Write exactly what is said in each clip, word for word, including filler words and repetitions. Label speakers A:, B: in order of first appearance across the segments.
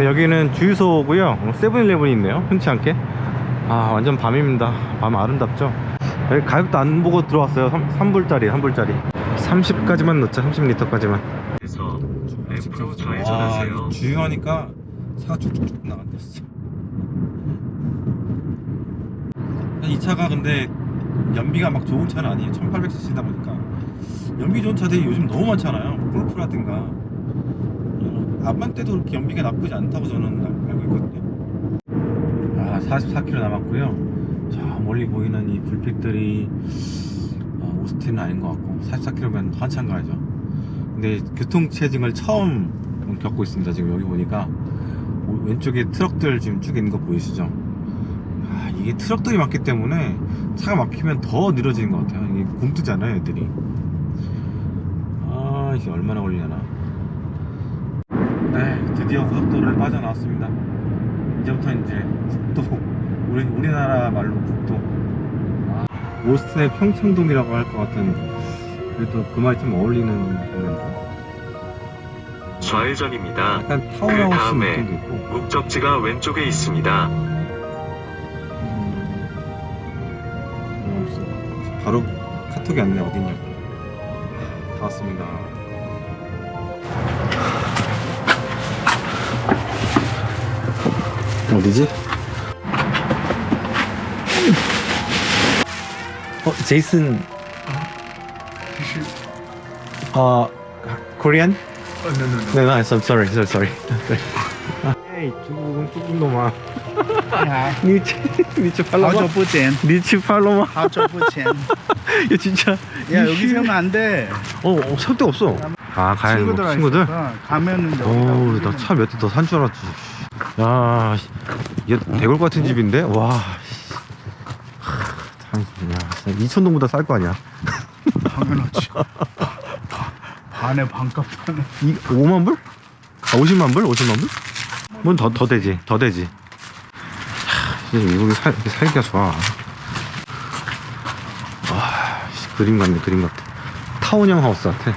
A: 네, 여기는 주유소고요. 세븐일레븐이 있네요. 흔치 않게. 아, 완전 밤입니다. 밤 아름답죠. 여기 가격도 안 보고 들어왔어요. 삼 불짜리, 삼 불짜리. 삼십까지만 넣자. 삼십 리터까지만.
B: 그래서 랩으로 좌회전하세요.
A: 주유하니까 차가 쭉쭉쭉 나간다 진짜. 이 차가 근데 연비가 막 좋은 차는 아니에요. 천팔백 씨씨다 보니까 연비 좋은 차들이 요즘 너무 많잖아요. 골프라든가 앞만 때도 그렇게 연비가 나쁘지 않다고 저는 알고 있거든요. 아, 사십사 킬로미터 남았고요. 저 멀리 보이는 이 불빛들이 아, 오스틴은 아닌 것 같고 사십사 킬로미터면 한참 가야죠. 근데 교통체증을 처음 겪고 있습니다. 지금 여기 보니까 왼쪽에 트럭들 지금 쭉 있는 거 보이시죠? 아, 이게 트럭들이 많기 때문에 차가 막히면 더 느려지는 것 같아요. 이게 굼뜨잖아요, 애들이. 아, 이게 얼마나 걸리려나. 네, 드디어 고속도로를 빠져나왔습니다. 이제부터 이제 국도, 우리, 우리나라 말로 국도. 아, 오스틴의 평창동이라고 할 것 같은, 그래도 그 말이 좀 어울리는 동네입니다.
B: 좌회전입니다.
A: 약간
B: 그
A: 타운하우스
B: 다음에
A: 느낌도 있고.
B: 목적지가 왼쪽에 있습니다.
A: 음, 바로 카톡이 왔네. 어딨냐. 다 왔습니다. 어디지? 어, 제이슨. 어, 코리안?
C: Oh, no, no, no.
A: No, no, I'm sorry, sorry, sorry. Hey, 중국은 뚜껑 놈아.
C: 你好，
A: 你去你去 팔로마?
C: 好久不见，
A: 你去 팔로마?
C: 好久不见。
A: 야 진짜.
C: 야 여기 세우면 안 돼.
A: 어, 어, 살 데가 없어. 아, 가야 뭐,
C: 친구들
A: 친구들?
C: 있어서 가면은 여기다
A: 어우,
C: 우리는
A: 나 차 몇 대 더 산 줄 알았지. 야, 얘 대골 같은 집인데? 와. 참, 야, 이천동보다 쌀 거 아니야.
C: 당연하지. 반에 반값 하네.
A: 이 오만 불? 아, 오십만 불? 오십만 불? 뭔 더, 더 되지. 더 되지. 하, 이거 살, 살기가 좋아. 와, 그림 같네, 그림 같아. 타운형 하우스 같아.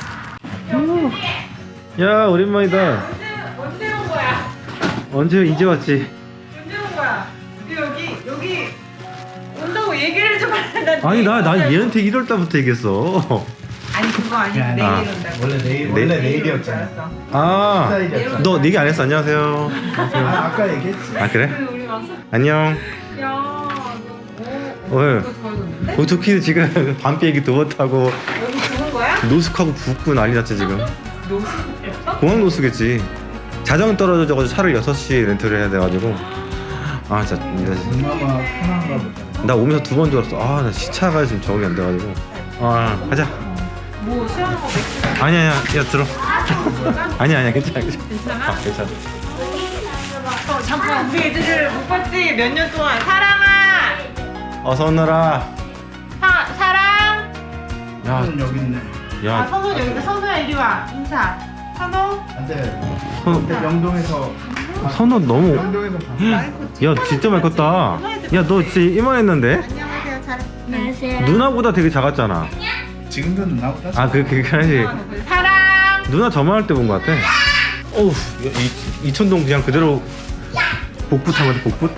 A: 야, 오랜만이다.
D: 언제 온 거야?
A: 언제, 이제 왔지?
D: 언제 온 거야? 근데 여기 여기 온다고 얘기를 좀 하는데.
A: 아니, 나, 난 얘한테 일월 달부터 얘기했어.
D: 아니 그거 아니고
C: 야,
D: 내일
A: 아.
D: 온다고.
C: 원래 내일
A: 원래
C: 원래
D: 내일
C: 내일이었잖아.
D: 알았어.
A: 아,
C: 스타일이었잖아.
A: 너 얘기 안 했어? 안녕하세요.
C: 아 아까 얘기했지.
A: 아, 그래?
D: 그리고 우리 와서
A: 안녕.
D: 야, 너 오,
A: 왜?
D: 이거 좋아졌는데?
A: 오토키는 지금 밤 비행기 두 번 타고
D: 여기 죽은 거야?
A: 노숙하고 붓고 난리 났지, 지금.
D: 노숙했어?
A: 공항 노숙했지. 자정 떨어져가지고 차를 여섯 시에 렌트를 해야 돼가지고. 아, 진짜.
C: 엄마가 편한가 보다.
A: 나 오면서 두 번 들었어. 아, 나 시차가 지금 적응이 안 돼가지고. 아, 가자.
D: 뭐 시원한 거 맥주
A: 아니야, 아니야. 야, 들어. 아니야, 아니야. 괜찮아, 괜찮아.
D: 괜찮아?
A: 아, 괜찮아.
D: 어, 잠깐 우리 애들을 못 봤지 몇 년 동안. 사랑아,
A: 어서 오너라.
D: 사 사랑.
A: 야,
C: 손 여기 있네.
D: 아
A: 야.
D: 선우 여기다. 선우야 이리 와. 인사. 선우.
C: 안돼.
A: 선,
C: 영동에서
A: 선우 너무.
C: 영동에서 봤어.
A: 야, 진짜 많이 컸다. 야, 너 진짜 이만했는데?
D: 안녕하세요. 잘.
E: 안녕하세요.
A: 누나보다 되게 작았잖아.
C: 지금도 누나보다.
A: 아, 그, 그게 아니지.
D: 사랑.
A: 누나 저만 할 때 본 것 같아. 어우, 이, 이천동 그냥 그대로 복붙한 거지, 복붙?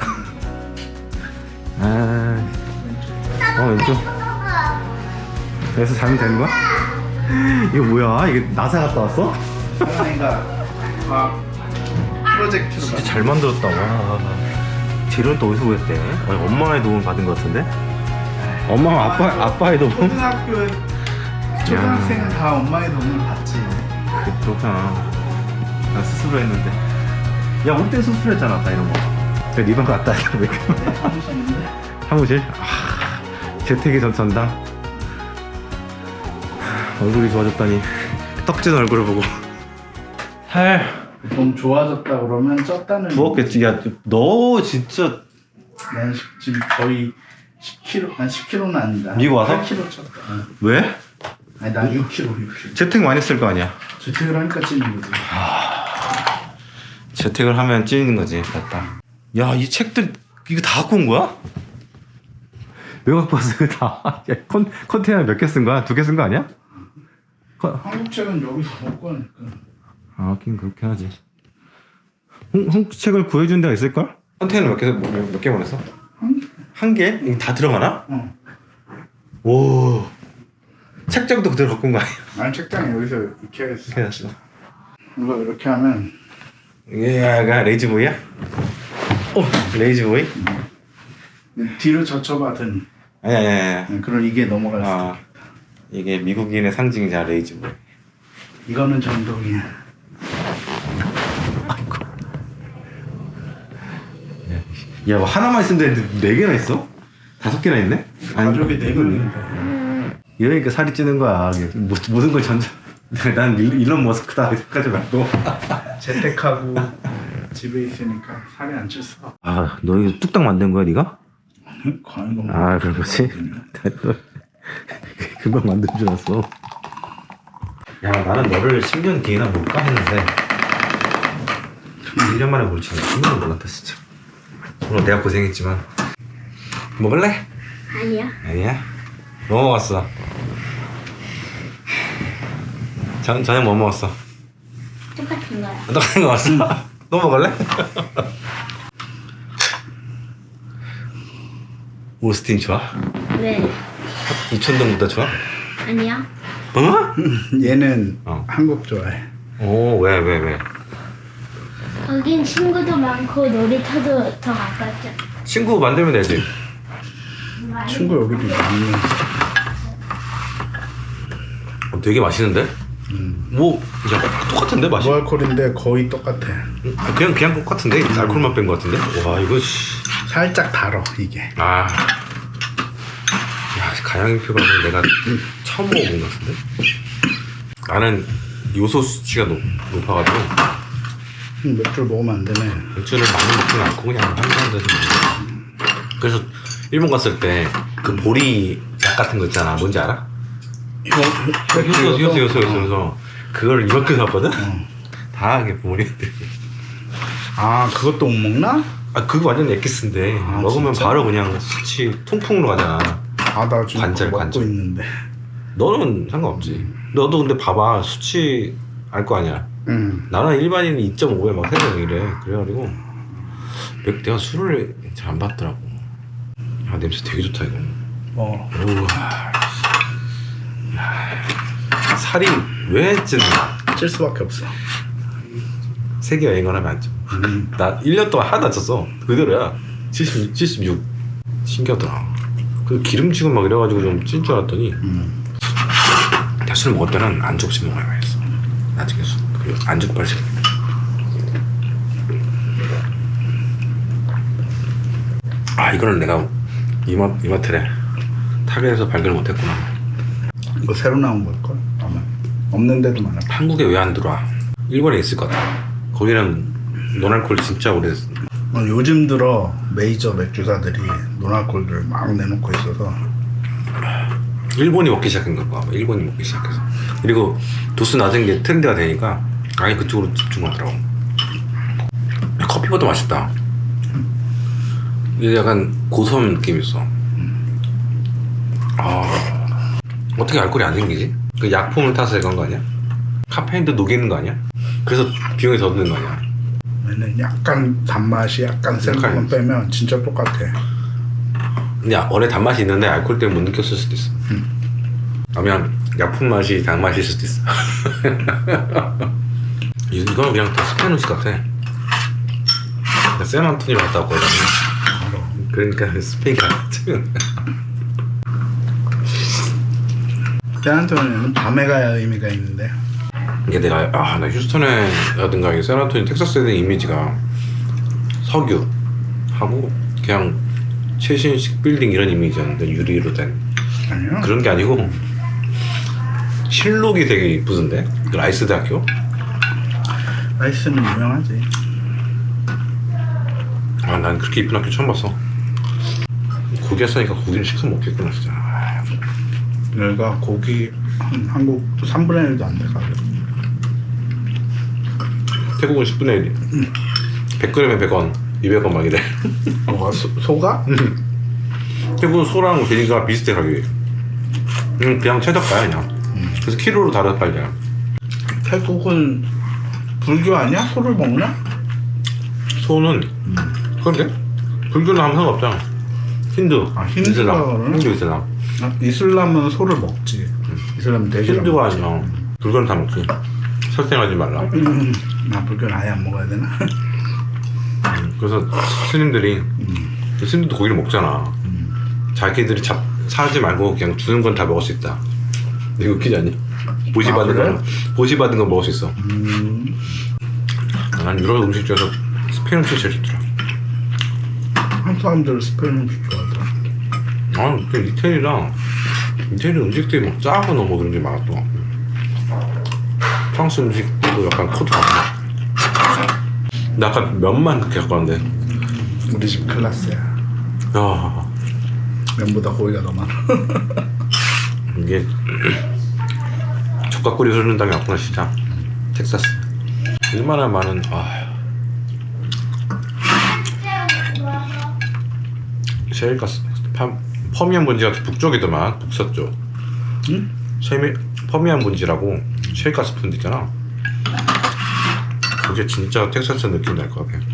A: 아, 어, 왼쪽. 그래서 자면 되는 거야? 이거 뭐야? 이게 나사 갔다 왔어?
C: 하나이가 과학 프로젝트로
A: 진짜
C: 가.
A: 잘 만들었다. 와. 재료는 또 어디서 구했대? 아니, 엄마의 도움을 받은 것 같은데? 엄마가 아빠, 아빠의 도움?
C: 초등학교 초등학생은 다 엄마의 도움을 받지.
A: 그, 그렇구나. 나 스스로 했는데. 야, 올 때 스스로 했잖아, 아까 이런 거. 저 리본 갔다 왔다, 왜 그래?
C: 내 사무실인데.
A: 사무실? 아, 재택이 전 전당. 얼굴이 좋아졌다니. 떡진 얼굴을 보고. 살
C: 좀 좋아졌다 그러면 쪘다는.
A: 부었겠지. 야, 너 진짜
C: 난 지금 거의 십 킬로그램, 난 십 킬로그램는 아니다.
A: 미국 와서?
C: 팔 킬로그램 쪘다. 응.
A: 왜?
C: 아니 난 육 킬로그램, 육 킬로그램.
A: 재택 많이 했을 거 아니야.
C: 재택을 하니까 찌는 거지.
A: 재택을 하면 찌는 거지. 맞다. 야, 이 책들 이거 다 갖고 온 거야? 왜 갖고 왔어? 이거 다. 야, 컨, 컨테이너 몇 개 쓴 거야? 두 개 쓴 거 아니야? 컨...
C: 한국 책은 여기서 못 가니까.
A: 아, 하긴 그렇게 하지. 홍, 홍책을 구해준 데가 있을걸? 컨테이너 몇 개, 몇 개 보냈어? 한 개? 이거 다 들어가나?
C: 어.
A: 오, 책장도 그대로 갖고 온 거 아니야?
C: 난 책장에 여기서 이렇게 했어.
A: 이렇게 해놨어.
C: 이거 이렇게 하면
A: 얘가 레이지보이야? 어, 레이지보이?
C: 뒤로 젖혀받은
A: 아니 아니 아니.
C: 그런 이게 넘어갈 수.
A: 아, 이게 미국인의 상징이자 레이지보이.
C: 이거는 전동이야.
A: 야, 뭐 하나만 있으면 되는데 네 개나 있어? 다섯 개나 있네?
C: 가족이 네 명인데.
A: 이러니까 살이 찌는 거야. 모- 모든 걸 전자. 난 일- 일론 머스크다 이렇게까지 말고.
C: 재택하고 집에 있으니까 살이 안 쪘어.
A: 아, 너 이거 뚝딱 만든 거야, 네가?
C: 과연 너무.
A: 아, 그런 거지? 금방 만든 줄 알았어. 야, 나는 너를 십 년 뒤에나 볼까 했는데 일 년 만에 볼지 십 년은 몰랐다 진짜. 오늘 내가 고생했지만. 먹을래?
E: 아니야.
A: 아니야? 뭐 먹었어? 전, 저녁 뭐 먹었어?
E: 똑같은 거야.
A: 똑같은 거 먹었어? 너 먹을래? 오스틴 좋아?
E: 왜?
A: 이천동보다 좋아?
E: 아니야.
A: 어?
C: 얘는
A: 어.
C: 한국 좋아해.
A: 오, 왜, 왜, 왜?
E: 거긴 친구도 많고 놀이터도 더 가깝죠.
A: 친구 만들면 되지.
C: 친구 여기도 많이.
A: 어, 되게 맛있는데?
C: 음.
A: 뭐, 야, 똑같은데, 맛이?
C: 무알콜인데 거의 똑같아.
A: 아, 그냥, 그냥 똑같은데? 알코올만 뺀 거 같은데? 와, 이거, 씨.
C: 살짝 달어 이게.
A: 아. 야, 가양표가 내가 처음 먹어본 것 같은데? 나는 요소 수치가 높, 높아가지고,
C: 음, 맥주를 먹으면 안 되네.
A: 맥주를 많이 먹지는 않고 그냥 한 잔 정도 먹어. 그래서 일본 갔을 때 그 보리 약 같은 거 있잖아. 뭔지 알아?
C: 이거
A: 요소, 요소, 요소, 요소, 요소. 그걸 이만큼 샀거든?
C: 어.
A: 다 이게 부모님들.
C: 아 그것도 못 먹나?
A: 아, 그거 완전 엑기스인데.
C: 아,
A: 먹으면
C: 진짜?
A: 바로 그냥 수치 통풍으로 가잖아.
C: 아 나 지금
A: 관절,
C: 그거 먹고
A: 관절.
C: 있는데.
A: 너는 상관없지. 너도 근데 봐봐. 수치 알 거 아니야.
C: 응.
A: 나는 일반인이 이 점 오에 막 세서 이래. 그래가지고 맥- 내가 술을 잘 안 받더라고. 아, 냄새 되게 좋다 이거.
C: 어.
A: 우와. 야, 살이 왜 찌나?
C: 찔 수밖에 없어.
A: 세계 여행을 하면 안 쪄.
C: 음.
A: 나 일 년 동안 하나도 안 쪘어. 그대로야. 칠십육, 칠십육. 신기하더라. 그 기름지고 막 이래가지고 좀 찐 줄 알았더니
C: 음.
A: 내가 술 먹을 때는 안주 없이 먹어야 맛있어. 나중에 술. 그리고 안주 빨리. 아, 이거는 내가 이마, 이마트래 타겟에서 발견을 못했구나.
C: 이거 새로 나온 걸걸? 아마 없는 데도 많아.
A: 한국에 왜 안 들어와? 일본에 있을 것 같아. 거기는 노알콜 진짜 오래 됐어.
C: 어, 요즘 들어 메이저 맥주사들이 노알콜들 막 내놓고 있어서.
A: 일본이 먹기 시작한 걸까 봐. 일본이 먹기 시작해서. 그리고 도수 낮은 게 트렌드가 되니까 아예 그쪽으로 집중하더라고. 야, 커피보다 맛있다. 이게 약간 고소한 느낌이 있어. 아, 어떻게 알코올이 안 생기지? 그 약품을 타서 그런 거 아니야? 카페인도 녹이는 거 아니야? 그래서 비용이 더 드는 거 아니야?
C: 얘는 약간 단맛이 약간 센
A: 약간
C: 것만 빼면 진짜 똑같아.
A: 근데 원래 단맛이 있는데 알코올 때문에 못 느꼈을 수도 있어. 아니면 약품 맛이 단맛일 수도 있어. 이- 이거는 그냥 다 스페인 음식 같아. 나 샌안토니로 갔다 왔거든. 그러니까 스페인 같아.
C: 샌안토니는 밤에 가야 의미가 있는데.
A: 이게 내가 아, 나 휴스턴에라든가 이 샌안토니 텍사스에 대한 이미지가 석유 하고 그냥 최신식 빌딩 이런 이미지였는데 유리로 된
C: 아니요.
A: 그런 게 아니고 실록이 되게 이쁘던데 그 라이스 대학교.
C: 라이스는 유명하지.
A: 아, 난 그렇게 이쁜 학교 처음 봤어. 고기 했으니까 고기는 시켜 먹겠구나 진짜. 아,
C: 여기가 고기 한, 한국 삼분의 일도 안 돼 가격.
A: 태국은 십분의 일이. 백 그램에 백 원, 이백 원 막 이래.
C: 뭐가 소, 소가?
A: 태국은 소랑 돼지가 비슷해 가격이. 음, 그냥 최저가야 그냥. 그래서 키로로 다르다 팔려.
C: 태국은 불교 아니야? 소를 먹나?
A: 소는 그런데 불교는 아무 상관없잖아. 힌두,
C: 아, 힌두가
A: 이슬람,
C: 그러나?
A: 힌두 이슬람.
C: 아, 이슬람은 소를 먹지. 이슬람은 돼지를
A: 힌두가
C: 먹지.
A: 아니야. 불교는 다 먹지. 설생하지 말라.
C: 음, 나 불교는 아예 안 먹어야 되나?
A: 그래서 스님들이
C: 음,
A: 스님도 고기를 먹잖아.
C: 음.
A: 자기들이 잡 사지 말고 그냥 주는 건 다 먹을 수 있다. 이거 웃기지 않니? 보시
C: 아,
A: 받은
C: 그래?
A: 거 보시 받은 건 먹을 수 있어.
C: 음,
A: 난 유럽 음식 중에서 스페인 음식 제일 좋더라.
C: 한국 사람들 스페인 음식 좋아하더라.
A: 아, 그 이태리랑 이태리 음식들이 막 짜고 너무 그런 게 많았던. 프랑스 음식도 약간 코드 같아. 나 아까 면만 그렇게 갖고 왔는데.
C: 우리 집 클라스야.
A: 야,
C: 면보다 고기가 더 많아.
A: 이게 젓가락구리 흐르는 땅이 왔구나 진짜. 텍사스. 얼마나 많은 아. 셰일가스 팜- 퍼미안 분지가 북쪽이더만 북서쪽.
C: 응?
A: 셰미, 퍼미안 분지라고 셰일가스 푼데 있잖아. 그게 진짜 텍사스 느낌 날 것 같아.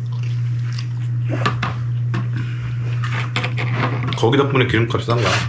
A: 거기 덕분에 기름값이 싼 거야.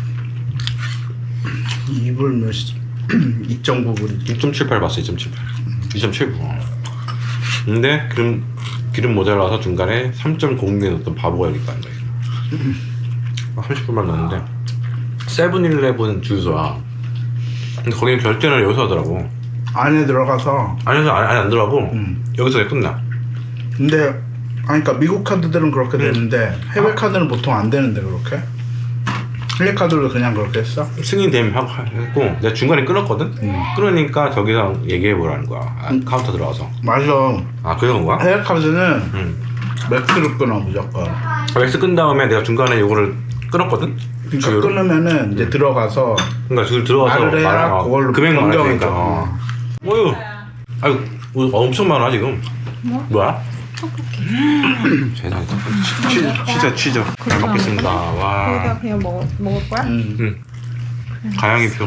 C: 이 불 몇이지? 이 점 구 불이지.
A: 이 점 칠팔 봤어. 이 점 칠팔. 이 점 칠구. 근데 기름 기름 모자라서 중간에 삼 점 공육에 넣었던 바보가 여기 있다는 거야. 삼십 불만 넣었는데 세븐일레븐 주유소야. 근데 거기는 결제를 여기서 하더라고.
C: 안에 들어가서.
A: 안에서 안에, 안에 안 들어가고
C: 음.
A: 여기서 그냥 끝나.
C: 근데 아니 그러니까 미국 카드들은 그렇게
A: 음.
C: 되는데 해외 카드는 보통 안 되는데 그렇게? 해외 카드로 그냥 그렇게 했어?
A: 승인되면 하고 했고 내가 중간에 끊었거든.
C: 음.
A: 끊으니까 저기서 얘기해 보라는 거야. 아,
C: 음.
A: 카운터 들어가서.
C: 맞아.
A: 아 그런 거야?
C: 해외 카드는
A: 응.
C: 맥스로 끊어 무조건.
A: 맥스 끈 다음에 내가 중간에 이거를 끊었거든.
C: 그러니까
A: 주유를?
C: 끊으면은 이제 들어가서
A: 그러니까 줄 들어가서
C: 말을 해야
A: 말- 어,
C: 그걸로
A: 금액 말할
C: 변경해줘.
A: 테니까. 어. 어휴. 아유, 어, 엄청 많아 지금.
E: 뭐?
A: 뭐야? 세상에. 치즈, 치즈, 치즈. 잘 먹겠습니다. 와.
D: 거기다 그냥 먹, 먹을 거야?
C: 음.
A: 응. 가양이표.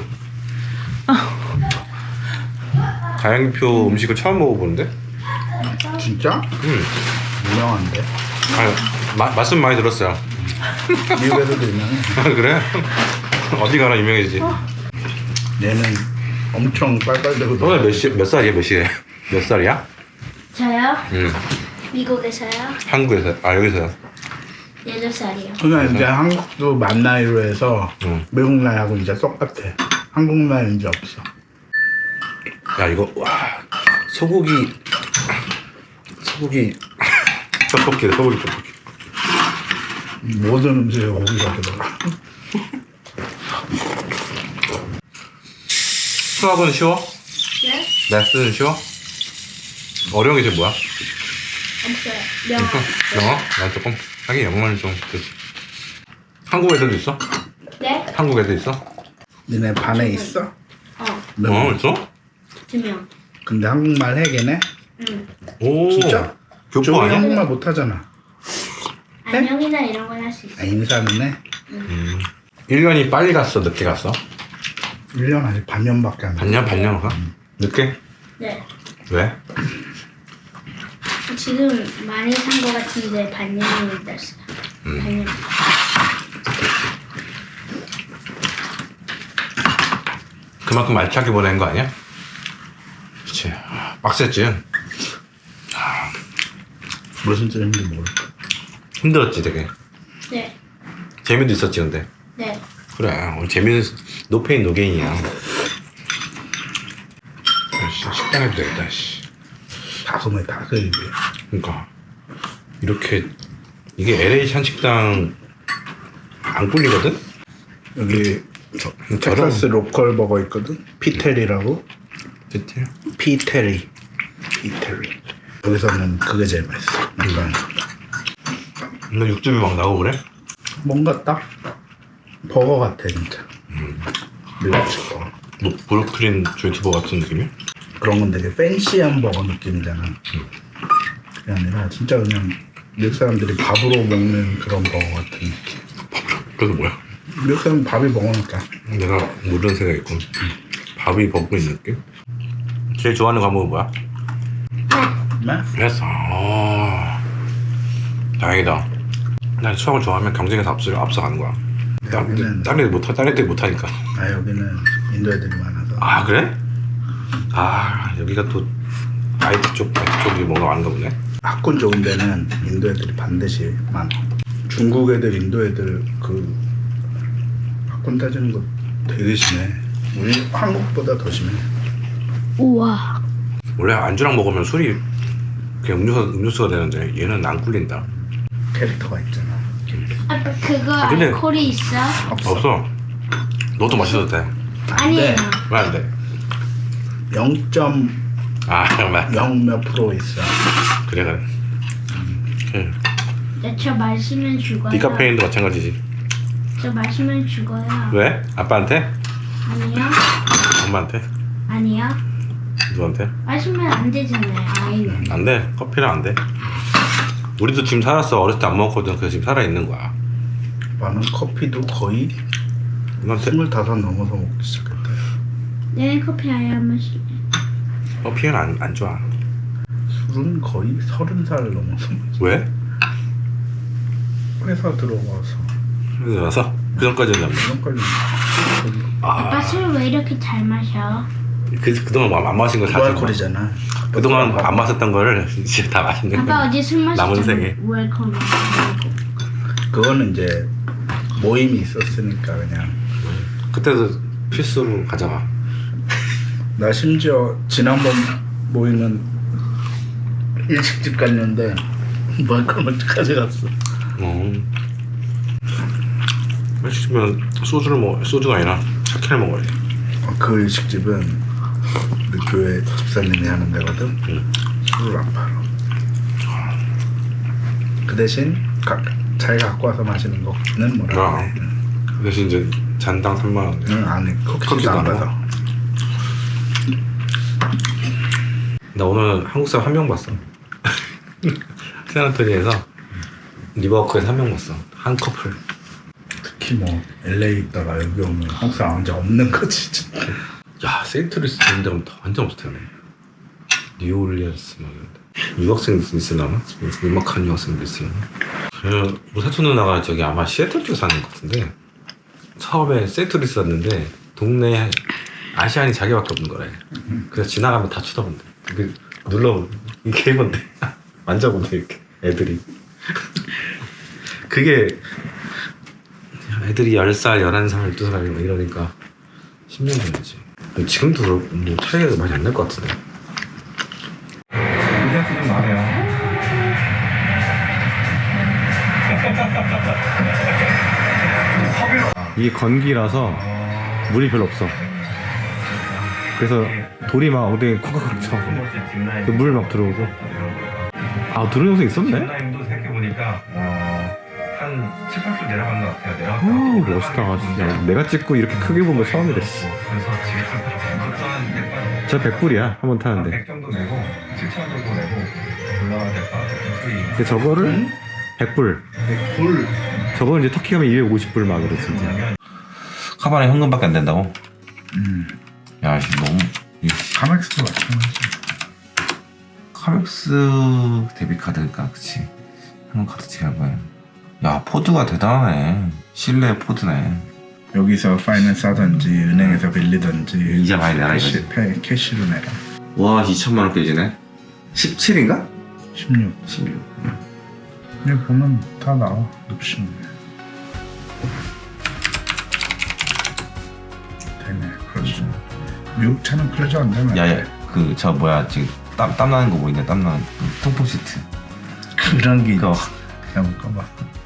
A: 가양이표 음식을 처음 먹어보는데?
C: 진짜?
A: 응.
C: 유명한데.
A: 아유, 마, 맛은 많이 들었어요.
C: 미국에서도 유명해.
A: 아, 그래? 어디 가나 유명해지지.
C: 얘는 엄청 빨빨대고.
A: 너네 몇, 시, 몇 살이야? 몇 시에? 몇 살이야?
E: 저요?
A: 응.
E: 미국에서요?
A: 한국에서. 아, 여기서요.
E: 여덟 살이요.
C: 그러니까 이제 한국도 만 나이로 해서
A: 응.
C: 미국 나이하고 이제 똑같아. 한국 나이 이제 없어.
A: 야, 이거, 와. 소고기. 소고기. 떡볶이다, 소고기 떡볶이.
C: 모든 음식에 고기가 들어가.
A: 수학은 쉬워?
E: 네?
A: 레슨은 쉬워? 어려운 게 지금 뭐야?
E: 없어요. 영어.
A: 영어? 난 조금 하긴 영어는 좀 그렇지. 한국 애들도 있어?
E: 네?
A: 한국 애들 있어?
C: 니네 반에 있어?
E: 어,
A: 어 있어?
E: 두 명.
C: 근데 한국말 해 걔네?
E: 응.
A: 오
C: 진짜?
A: 교포
C: 저기
A: 아니야?
C: 한국말 못하잖아.
E: 안녕이나 이런 건 할 수 있어.
C: 아, 인사는 해?
A: 음. 일 년이 빨리 갔어 늦게 갔어?
C: 일 년 아직 반년밖에 안 돼.
A: 반년 반년 가? 늦게?
E: 네.
A: 왜?
E: 지금 많이 산 거 같은데 반년이 됐어요.
A: 음.
E: 반년.
A: 그만큼 알차게 보낸 거 아니야? 그치. 아, 빡셌지.
C: 무슨 뜻인지 모르겠어.
A: 힘들었지 되게.
E: 네.
A: 재미도 있었지 근데.
E: 네.
A: 그래 오늘 재미는 노페인 노게인이야. 씨, 식당에도 되겠다. 씨.
C: 다솜에 다 그 입이야.
A: 그러니까 이렇게 이게 엘에이 한식당 안 꿀리거든?
C: 여기 저,
A: 저런-
C: 텍사스 로컬 버거 있거든? 피테리라고.
A: 디테일?
C: 피테리. 피테리. 여기서는 그게 제일 맛있어. 약간
A: 너 육즙이 막 나오고 그래?
C: 뭔가 딱 버거 같아 진짜. 미국식 버거.
A: 뭐 브루클린 조인트버 같은 느낌이야?
C: 그런 건 되게 팬시한 버거 느낌이잖아. 그게 아니라 진짜 그냥 미국 사람들이 밥으로 먹는 그런 버거 같은 느낌.
A: 그래서 뭐야?
C: 미국 사람 밥이 먹으니까.
A: 내가 모르는 생각이 있군. 밥이 벗고 있는 느낌? 제일 좋아하는 과목은 뭐야?
C: 네?
A: 그래서 아, 다행이다. 난 수학을 좋아하면 경쟁에서 앞서 앞서가는 거야.
C: 여기는
A: 다른 애들 못하 다른 애들 못하니까.
C: 아 여기는 인도 애들이 많아서.
A: 아 그래? 아 여기가 또 아이티 쪽 아이티 쪽이 뭔가 많은가 보네.
C: 학군 좋은 데는 인도 애들이 반드시 많아. 중국 애들, 인도 애들 그 학군 따지는 거 되게 심해. 우리 한국보다 더 심해.
E: 우와.
A: 원래 안주랑 먹으면 술이 그냥 음료수 음료수가 되는데 얘는 안 꿀린다.
C: 캐릭터가 있잖아.
E: 아빠 그거
A: 아, 근데-
E: 알코올이 있어?
A: 없어. 너도 마셔도 돼.
E: 아니에요.
A: 왜 안 돼?
C: 영 점
A: 아 정말.
C: 영 몇 프로 있어.
A: 그래 그래. 그래.
E: 네, 저 마시면 죽어요.
A: 디카페인도 마찬가지지.
E: 저 마시면 죽어요.
A: 왜? 아빠한테?
E: 아니요.
A: 엄마한테?
E: 아니요.
A: 누구한테?
E: 마시면 안 되잖아요. 아이는.
A: 안 돼. 커피는 안 돼. 우리도 지금 살았어. 어렸을 때 안 먹었거든. 그래서 지금 살아 있는 거야.
C: 나는 커피도 거의
A: 엄마한테
C: 스물다섯 넘어서 먹기 시작했다.
E: 내 커피 아예 안 마시.
A: 커피는 안, 안 좋아.
C: 술은 거의 서른 살 넘어서
A: 왜?
C: 회사 들어가서
A: 그래서 와서 그 전까지는 안 먹어.
C: 그런까지
E: 아빠
A: 아,
E: 술 왜 이렇게 잘 마셔?
A: 그 그동안 안 마신 거다
C: 무알콜이잖아.
A: 그동안 안 마셨던 거를 이제 다 마시는
E: 아빠
A: 거야.
E: 어제 술 마셨잖아.
A: 남은 생에.
E: 왜 그걸 마시고?
C: 그거는 이제 모임이 있었으니까 그냥.
A: 그때도 필수로 가져가.
C: 나 심지어 지난번 모임은 일식집 갔는데 무알콜 먼저 가져갔어.
A: 어. 시키면 소주를 먹 소주가 아니라 사케를 먹어야 돼.
C: 그 일식집은 우리 교회 집사님이 하는 데거든.
A: 응.
C: 술을 안 팔아. 그 대신 가, 자기가 갖고 와서 마시는 거는 뭐라
A: 아.
C: 그래.
A: 그 대신 이제 잔당 삼만 원.
C: 응, 안에
A: 커피도
C: 커피도 안
A: 안
C: 받아.
A: 나 오늘 한국 사람 한 명 봤어. 샌안토니에서 리버워크에서 한 명 봤어. 한 커플.
C: 특히 뭐 엘에이 있다가 여기 오면 한국 사람 완전 없는 거지 진짜.
A: 야, 세인트루이스 이런 데 가면 더 완전 없을 텐데. 뉴올리언스 막 이런 데. 유학생들 있으려나? 음악하는 유학생들 있으려나? 그 우리 사촌 누나가 저기 아마 시애틀 쪽에 사는 것 같은데 처음에 세인트루이스 왔는데 동네에 아시안이 자기밖에 없는 거래. 그래서 지나가면 다 쳐다본대. 그 눌러 이게 해본대. 만져본대 이렇게 애들이. 그게 애들이 열 살, 열한 살, 열두 살 이러니까 십 년 전이지. 지금도 뭐 차이가 많이 안 날 것 같은데. 의자수 좀 나네요. 이게 건기라서 물이 별로 없어. 그래서 돌이 막 엉덩이에 쿵쾅쿵 쳐. 물 막 들어오고. 아, 들어온 영상 있었네?
F: 뒷라인도 생각해보니까 어, 한 칠, 팔 분 내려간 것 같아요. 내려갔다.
A: 오, 멋있다. 진짜. 내가 찍고 이렇게 크게 본 거 처음이랬어.
F: 그래서 지금 그것도 한 약간
A: 저 백 불이야. 한 번 타는데.
F: 백 정도 내고 칠천 정도 내고 올라가야 될 것 같아요. 수익.
A: 근데 저거를 백 불.
C: 불
A: 저거는 이제 터키 가면 이백오십 불 막 그래, 진짜. 카바에 현금밖에 안 된다고?
C: 음.
A: 야, 이거 너무.
C: 카맥스도 마찬가지.
A: 카맥스 데뷔카드니까, 그치? 현금 카드 제일 거야. 야, 포드가 대단하네. 실내 포드네.
C: 여기서 파이낸스 하든지 은행에서 빌리든지
A: 이자 많이 내라,
C: 캐시,
A: 이거지.
C: 페, 캐시로 내라.
A: 와, 이천만 원 깨지네. 십칠인가?
C: 십육.
A: 십육.
C: 여기 보면 다 나와. 옵션. 되네. 그렇죠. 미국 차는 클로저 안 되면
A: 야, 야, 그, 저, 뭐야, 지금 땀, 땀 나는 거 보이네, 땀 나는. 그 통풍 시트.
C: 그런 게
A: 그거.
C: 그냥 못 가봐.